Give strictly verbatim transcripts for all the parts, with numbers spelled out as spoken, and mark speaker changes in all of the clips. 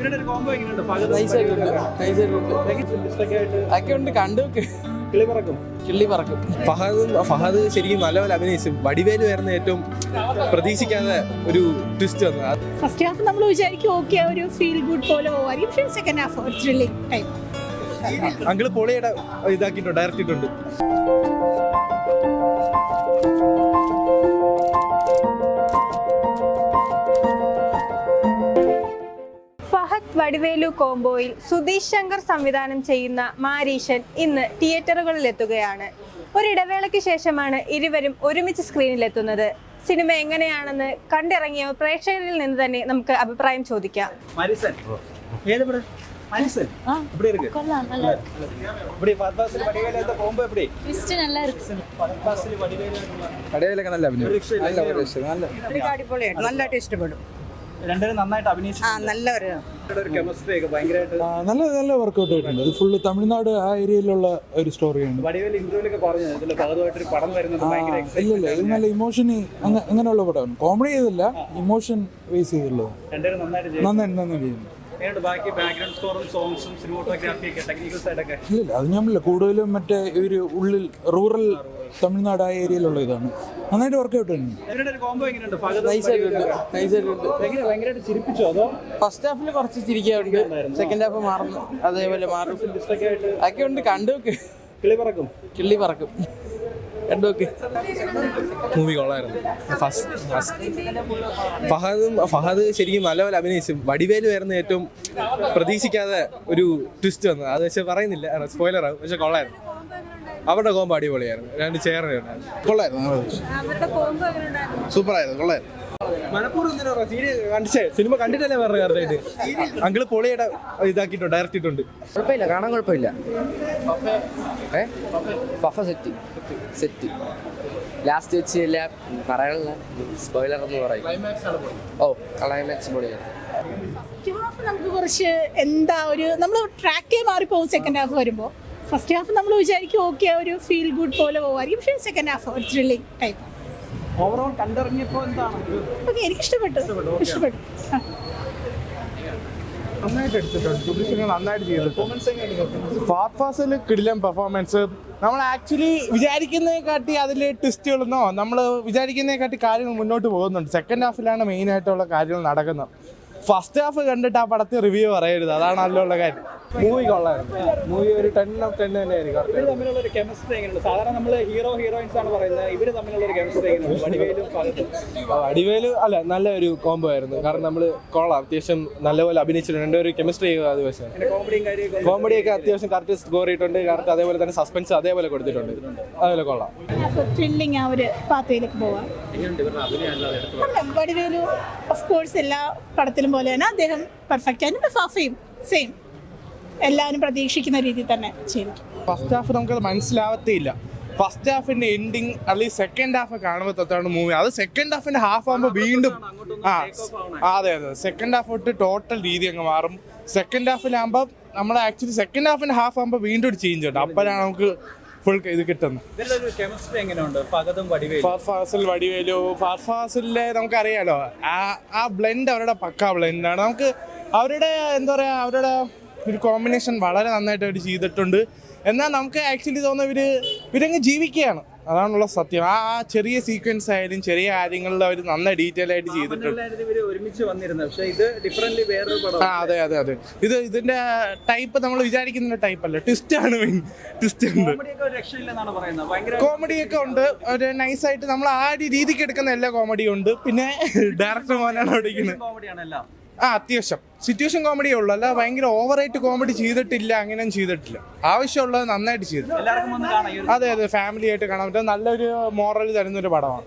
Speaker 1: ഫഹദും ഫഹദ് ശരിക്കും നല്ലപോലെ അഭിനയിച്ചു. വടിവേലു ആയിരുന്നു ഏറ്റവും പ്രതീക്ഷിക്കാതെ ഒരു ട്വിസ്റ്റ് വന്നത്.
Speaker 2: ഫസ്റ്റ് ഹാഫ് നമ്മൾ വിചാരിക്കും ഓക്കെ ഒരു ഫീൽ ഗുഡ് പോലെ പോവായിരിക്കും, പക്ഷേ സെക്കൻഡ് ഹാഫ് ഒരു ത്രില്ലിംഗ് ടൈപ്പ്.
Speaker 1: അങ്കിള് പൊളിയുടെ ഇതാക്കിയിട്ടുണ്ട്, ഡയറക്റ്റ് ചെയ്തിട്ടുണ്ട്.
Speaker 3: ഫഹദ് വടിവേലു കോംബോയിൽ സുധീഷ് ശങ്കർ സംവിധാനം ചെയ്യുന്ന മാരീശൻ ഇന്ന് തിയേറ്ററുകളിൽ എത്തുകയാണ്. ഒരിടവേളയ്ക്ക് ശേഷമാണ് ഇരുവരും ഒരുമിച്ച് സ്ക്രീനിലെത്തുന്നത്. സിനിമ എങ്ങനെയാണെന്ന് കണ്ടിറങ്ങിയ പ്രേക്ഷകരിൽ നിന്ന് തന്നെ നമുക്ക് അഭിപ്രായം ചോദിക്കാം.
Speaker 4: നല്ല നല്ല വർക്കൗട്ട് ആയിട്ടുണ്ട്. ഇത് ഫുള്ള് തമിഴ്നാട് ആ ഏരിയയിലുള്ള ഒരു സ്റ്റോറിയാണ്. ഇല്ലില്ല, ഇത് നല്ല ഇമോഷന് അങ്ങനെയുള്ള പടമാണ്. കോമഡി ചെയ്തില്ല, ഇമോഷൻ ബേസ് ചെയ്തുള്ളത്. നന്നായിട്ട് നന്നായിട്ട് ചെയ്യുന്നു. ഇല്ലില്ല, അത് ഞാനില്ല, കൂടുതലും മറ്റേ ഒരു ഉള്ളിൽ റൂറൽ തമിഴ്നാട് ആ ഏരിയയിലുള്ള ഇതാണ്. നന്നായിട്ട് വർക്കൗട്ട് തന്നെ.
Speaker 5: ഫസ്റ്റ് ഹാഫിൽ കുറച്ച് ചിരിക്കാറുണ്ട്, സെക്കൻഡ് ഹാഫ് മാറുന്നു, അതേപോലെ മാറും ഒക്കെ ഉണ്ട്. കണ്ടു കിള്ളി പറക്കും കിള്ളി പറക്കും കണ്ടുനോക്ക്.
Speaker 1: മൂവി കൊള്ളായിരുന്നു. ഫഹദും ഫഹദ് ശരിക്കും നല്ലപോലെ അഭിനയിച്ചു. വടിവേലു ആയിരുന്നു ഏറ്റവും പ്രതീക്ഷിക്കാതെ ഒരു ട്വിസ്റ്റ് വന്നത്. അത് പക്ഷെ പറയുന്നില്ല, സ്പോയിലർ ആകും, പക്ഷെ കൊള്ളായിരുന്നു. അവരുടെ കോമ്പോ അടിപൊളിയായിരുന്നു. രണ്ട് ചേർന്നുണ്ടായിരുന്നു, കൊള്ളായിരുന്നു, സൂപ്പറായിരുന്നു, കൊള്ളായിരുന്നു. സിനിമ കണ്ടിട്ടല്ലേ പറഞ്ഞ കറക്റ്റായിട്ട്. അങ്കിള് പൊളിയുടെ ഇതാക്കിയിട്ടുണ്ട്, ഡയറക്റ്റ് ചെയ്തിട്ടുണ്ട്.
Speaker 5: കുഴപ്പമില്ല, കാണാൻ കുഴപ്പമില്ല. ഫഫ സെറ്റ് സെറ്റ് ലാസ്റ്റ് വെച്ച് ഇല്ല, പറയാനുള്ള സ്പോയിലർ എന്ന് പറയും. ഓ ക്ലൈമാക്സ് പൊളിയാണ്.
Speaker 2: നമുക്ക് കുറച്ച് എന്താ ഒരു നമ്മൾ ട്രാക്കേ മാറിപ്പോകും സെക്കൻഡ് ഹാഫ് വരുമ്പോൾ. ഫസ്റ്റ് ഹാഫ് നമ്മൾ വിചാരിക്കും ഓക്കെ ഒരു ഫീൽ ഗുഡ് പോലെ പോവായിരിക്കും, പക്ഷേ സെക്കൻഡ് ഹാഫ് ഒരു ത്രില്ലിംഗ് ടൈപ്പ്.
Speaker 6: ഓവറോൾ കണ്ടിറങ്ങിയപ്പോൾ എന്താണ്?
Speaker 2: ഓക്കെ, എനിക്ക് ഇഷ്ടപ്പെട്ടു ഇഷ്ടപ്പെട്ടു
Speaker 7: നന്നായിട്ട് എടുത്തിട്ടുണ്ട്, നന്നായിട്ട് ചെയ്തിട്ടുണ്ട്. ഫാസ്റ്റ് ഫാസിൽ കിടിലൻ പെർഫോമൻസ്. നമ്മൾ ആക്ച്വലി വിചാരിക്കുന്നതിനെക്കാട്ടി അതിൽ ട്വിസ്റ്റുകളെന്നോ നമ്മൾ വിചാരിക്കുന്നതിനെക്കാട്ടി കാര്യങ്ങൾ മുന്നോട്ട് പോകുന്നുണ്ട്. സെക്കൻഡ് ഹാഫിലാണ് മെയിൻ ആയിട്ടുള്ള കാര്യങ്ങൾ നടക്കുന്നത്. ഫസ്റ്റ് ഹാഫ് കണ്ടിട്ട് ആ പടത്തിൽ റിവ്യൂ പറയരുത്, അതാണ് നല്ലുള്ള കാര്യം. മൂവി കൊള്ളായിരുന്നു. മൂവി ഒരു ടെൻ ഓഫ് ടെൻ തന്നെയായിരിക്കും.
Speaker 6: ഇവർ തമ്മിലുള്ള ഒരു കെമിസ്ട്രി എങ്ങനെയുണ്ട്? സാധാരണ നമ്മൾ ഹീറോ ഹീറോയിൻസ് ആണ് പറയുന്നത്, ഇവർ തമ്മിലുള്ള ഒരു കെമിസ്ട്രി എങ്ങനെയുണ്ട്? വടിവേലും
Speaker 1: വടിവേലു അല്ല, നല്ല ഒരു കോംബോ ആയിരുന്നു. കാരണം നമ്മൾ കൊള്ളാം, അത്യാവശ്യം നല്ലപോലെ അഭിനയിച്ചിട്ടുണ്ട്. രണ്ടുപേരും കെമിസ്ട്രി ചെയ്യുക ദിവസം.
Speaker 6: കോമഡിയും കാര്യമൊക്കെ
Speaker 1: കോമഡിയൊക്കെ അത്യാവശ്യം കറക്റ്റ് സ്കോർ ചെയ്തിട്ടുണ്ട്. കറക്റ്റ് അതേപോലെ തന്നെ സസ്പെൻസ് അതേപോലെ കൊടുത്തിട്ടുണ്ട്. അതേപോലെ കൊള്ളാം.
Speaker 2: ത്രില്ലിംഗ് ആ ഒരു പാത്തയിലേക്ക് പോവാം. വടിവേലു ഓഫ് കോഴ്സ് എല്ലാ പടത്തിലും പോലെ തന്നെ അദ്ദേഹം പെർഫെക്റ്റ് ആയിട്ട് ഫാഫയും സെയിം എല്ലാവരും പ്രതീക്ഷിക്കുന്ന രീതിയിൽ തന്നെ ചെയ്തിട്ടുണ്ട്.
Speaker 7: ഫസ്റ്റ് ഹാഫ് നമുക്കത് മനസ്സിലാവത്തേയില്ല. ഫസ്റ്റ് ഹാഫിന്റെ എൻഡിങ് അല്ലെങ്കിൽ സെക്കൻഡ് ഹാഫ് കാണുമ്പോൾ തൊട്ടാണ് മൂവി. അത് സെക്കൻഡ് ഹാഫിന്റെ ഹാഫ് ആകുമ്പോൾ വീണ്ടും ആ അതെ അതെ സെക്കൻഡ് ഹാഫ് തൊട്ട് ടോട്ടൽ രീതി അങ്ങ് മാറും. സെക്കൻഡ് ഹാഫിലാകുമ്പോൾ നമ്മൾ ആക്ച്വലി സെക്കൻഡ് ഹാഫിന്റെ ഹാഫ് ആകുമ്പോൾ വീണ്ടും ഒരു ചേഞ്ച് ഉണ്ട്. അപ്പോഴാണ് നമുക്ക് ഫുൾ ഇത് കിട്ടുന്നത്. ഫാസിൽ വടിവേലു ഫാസിലെ നമുക്കറിയാലോ, ആ ആ ബ്ലെൻഡ് അവരുടെ പക്കാ ബ്ലെൻഡാണ്. നമുക്ക് അവരുടെ എന്താ പറയുക, അവരുടെ ഒരു കോമ്പിനേഷൻ വളരെ നന്നായിട്ട് അവർ ചെയ്തിട്ടുണ്ട്. എന്നാൽ നമുക്ക് ആക്ച്വലി തോന്നുന്ന ഇവർ ഇവരങ്ങ് ജീവിക്കുകയാണ്, അതാണുള്ള സത്യം. ആ ആ ചെറിയ സീക്വൻസ് ആയാലും ചെറിയ കാര്യങ്ങളിൽ അവർ നന്നായി ഡീറ്റെയിൽ ആയിട്ട് ചെയ്തിട്ടുണ്ട്. ആ അതെ അതെ അതെ ഇത് ഇതിന്റെ ടൈപ്പ് നമ്മൾ വിചാരിക്കുന്ന ടൈപ്പ് അല്ല, ട്വിസ്റ്റ് ആണ് മെയിൻ. ട്വിസ്റ്റ് ഉണ്ട്, കോമഡിയൊക്കെ ഉണ്ട്. ഒരു നൈസായിട്ട് നമ്മൾ ആ രീതിക്ക് എടുക്കുന്ന എല്ലാ കോമഡിയും ഉണ്ട്. പിന്നെ ഡയറക്ടർ മോനാണ് ഓടിക്കുന്നത്. ആ അത്യാവശ്യം സിറ്റുവേഷൻ കോമഡിയേ ഉള്ളൂ, അല്ല ഭയങ്കര ഓവറായിട്ട് കോമഡി ചെയ്തിട്ടില്ല, അങ്ങനെയൊന്നും ചെയ്തിട്ടില്ല. ആവശ്യമുള്ളത് നന്നായിട്ട് ചെയ്തു. അതെ അതെ ഫാമിലി ആയിട്ട് കാണാൻ പറ്റും, നല്ലൊരു മോറൽ തരുന്നൊരു പടമാണ്.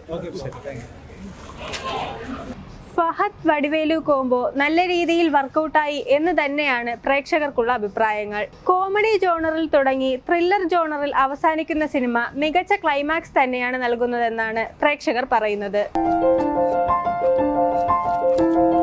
Speaker 3: ഫഹദ് വടിവേലു കോംബോ നല്ല രീതിയിൽ വർക്കൗട്ടായി എന്ന് തന്നെയാണ് പ്രേക്ഷകർക്കുള്ള അഭിപ്രായങ്ങൾ. കോമഡി ജോണറിൽ തുടങ്ങി ത്രില്ലർ ജോണറിൽ അവസാനിക്കുന്ന സിനിമ മികച്ച ക്ലൈമാക്സ് തന്നെയാണ് നൽകുന്നതെന്നാണ് പ്രേക്ഷകർ പറയുന്നത്.